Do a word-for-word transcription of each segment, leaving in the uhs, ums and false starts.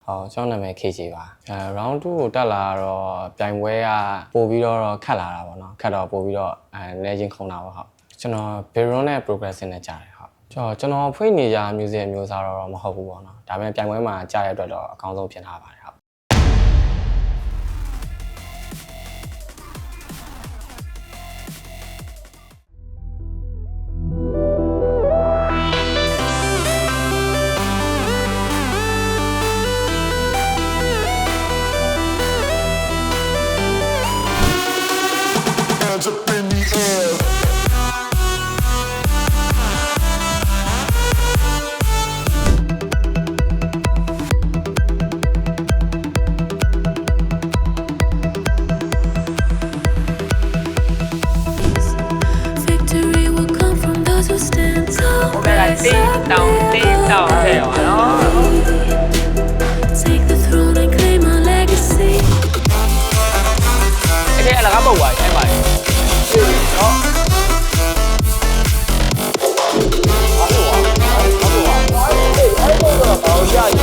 ဟုတ်ကျွန်တော်နာမည် K J ပါအဲ round two ကိုတက်လာတော့ပြိုင်ပွဲကပို့ပြီးတော့ခတ်လာတာပေါ့နော်ခတ်တော့ပို့ပြီးတော့အဲလဲချင်းခုံတာပေါ့ဟုတ်ကျွန်တော် Baron နဲ့ Progressing နဲ့ကြားတယ်ဟုတ်ကျွန်တော်ကျွန်တော်ဖွင့်နေကြ music မျိုးစားတော့မဟုတ်ဘူးပေါ့နော်ဒါပေမဲ့ပြိုင်ပွဲမှာကြားရတဲ့အတွက်တော့အကောင်းဆုံးဖြစ်လာပါတယ်ဟုတ် Take down, take down, hey, no. Take the throne and claim our legacy. Okay, là cái bầu à, em mày. Đó. Có đủ à? Có đủ à? Ấy, bầu rồi, bầu ra gì?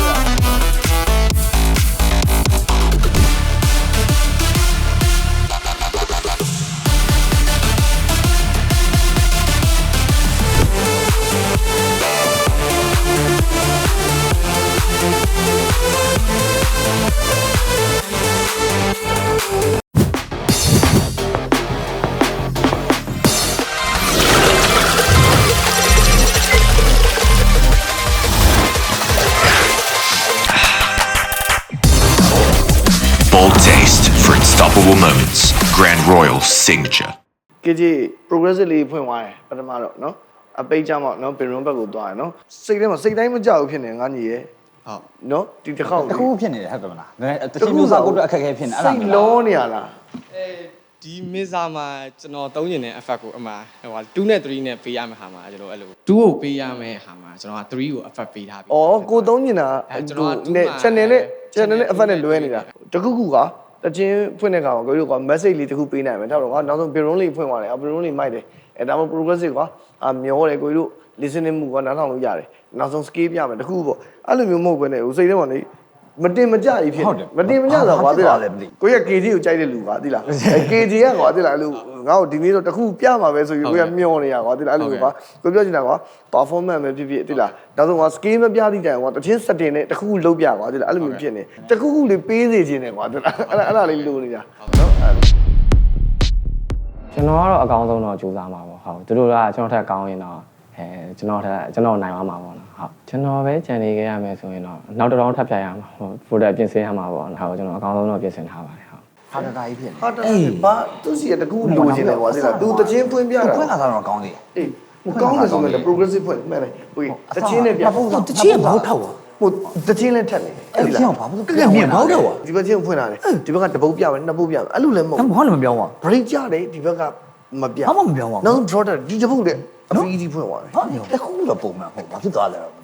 Bold taste for unstoppable moments. Grand Royal signature. K J progressive လေးဖွင့်သွားတယ်ပထမတော့เนาะအပိတ်ကြမှာเนาะ Baron ဘက်ကိုသွားတယ်เนาะစိတ်ထဲမှာစိတ်တိုင်းမကြောက်ဘူးဖြစ်နေငါညီရဲ့ဟုတ်เนาะဒီတစ်ခေါက်တစ်ခုဖြစ်နေတယ်ဟုတ်တယ်မလားနည်းတချို့မျိုးစားကိုအတွက်အခက်အခဲဖြစ်နေအဲ့ဒါစိတ်လုံးနေရလားအဲဒီမစ်ဇာမှာကျွန်တော်သုံးကျင်တဲ့ effect ကိုအမှဟိုဟာtwoနဲ့threeနဲ့ပေးရမယ့်ဟာမှာကျွန်တော်အဲ့လိုtwoကိုပေးရမယ့်ဟာမှာကျွန်တော်ကthreeကို effect ပေးထားပြီဩကိုသုံးနေတာကျွန်တော်က channel နဲ့ channel နဲ့ effect နဲ့လွဲနေတာတခုခုကတချင်းဖွင့်တဲ့ကောင်ကိုတို့က message လေးတခုပေးနိုင်မယ်တော့ကွာနောက်ဆုံး Baron လေးဖွင့်သွားတယ် Baron လေးမိုက်တယ်အဲဒါမှ progressive ကွာအမျောတယ်ကိုတို့ listening မှုကနားထောင်လို့ရတယ်နောက်ဆုံး scale ပြမယ်တခုပေါ့အဲ့လိုမျိုးမဟုတ်ဘဲနဲ့ဟိုစိတ်ထဲမှာနေမတင်မကြကြီးဖြစ်မတင်မကြတော့ကွာသိလားကိုရ K J ကိုကြိုက်တဲ့လူကွာသိလား K J ကကွာသိလားအဲ့လိုငါ့ကိုဒီနေ့တော့တခုပြမှာပဲဆိုပြီးကိုရမျောနေရကွာသိလားအဲ့လိုကွာကိုပြောချင်တာကွာ performance ပဲဖြစ်ဖြစ်သိလားနောက်ဆုံးကွာ scale မပြသည့်တိုင်ကွာတချင်း setting နဲ့တခုခုလုပ်ပြကွာသိလားအဲ့လိုမျိုးဖြစ်နေတခုခုလေးပေးစေခြင်းနဲ့ကွာသိလားအဲ့ဒါအဲ့ဒါလေးလိုနေတာနော်အဲ့ကျွန်တော်ကတော့အကောင်းဆုံးတော့ကြိုးစားမှာပေါ့ဟုတ်သူတို့ကကျွန်တော်ထက်ကောင်းရင်တော့အဲကျွန်တော်ထက်ကျွန်တော်နိုင်သွားမှာပေါ့နော်ဟုတ်ကျွန်တော်ပဲကြံနေခဲ့ရမယ်ဆိုရင်တော့နောက်တစ်ရောင်းထပ်ပြရမှာဟုတ် folder ပြင်ဆင်ရမှာပေါ့နော်ဟုတ်ကျွန်တော်အကောင်းဆုံးတော့ပြင်ဆင်ထားပါတယ်ဟုတ်ဟာတတာကြီးဖြစ်နေဟာတာဘာသူစီကတကူလိုချင်တယ်ကွာသိလားသူတချင်းဖွင့်ပြတာဖွင့်လာတော့ကောင်းသေးတယ်အေးဟိုကောင်းတယ်ဆိုရင် progressive ဖွင့်မှန်တယ်ဟိုတချင်းနဲ့ပြတချင်းဘောက်ထောက်ပါဟိုတချင်းလည်းထက်နေအဲ့ဒီအောင်ဘာလို့ကဲမြင်ဘောက်တော့ဒီဘက်ချင်းဖွင့်လာတယ်ဒီဘက်ကတပုတ်ပြမယ်နှစ်ပုတ်ပြမယ်အဲ့လိုလည်းမဟုတ်ဘာလို့မပြောင်းပါ break ကြတယ်ဒီဘက်ကမပြဘာမှမပြောင်းပါဘူးနောက် draw တယ်ဒီတပုတ်လည်းအဖီးကြီးဖွင့်သွားတယ်ဟာတခုတော့ပုံမှန်ဟုတ်ဘာဖြစ်သွားလဲ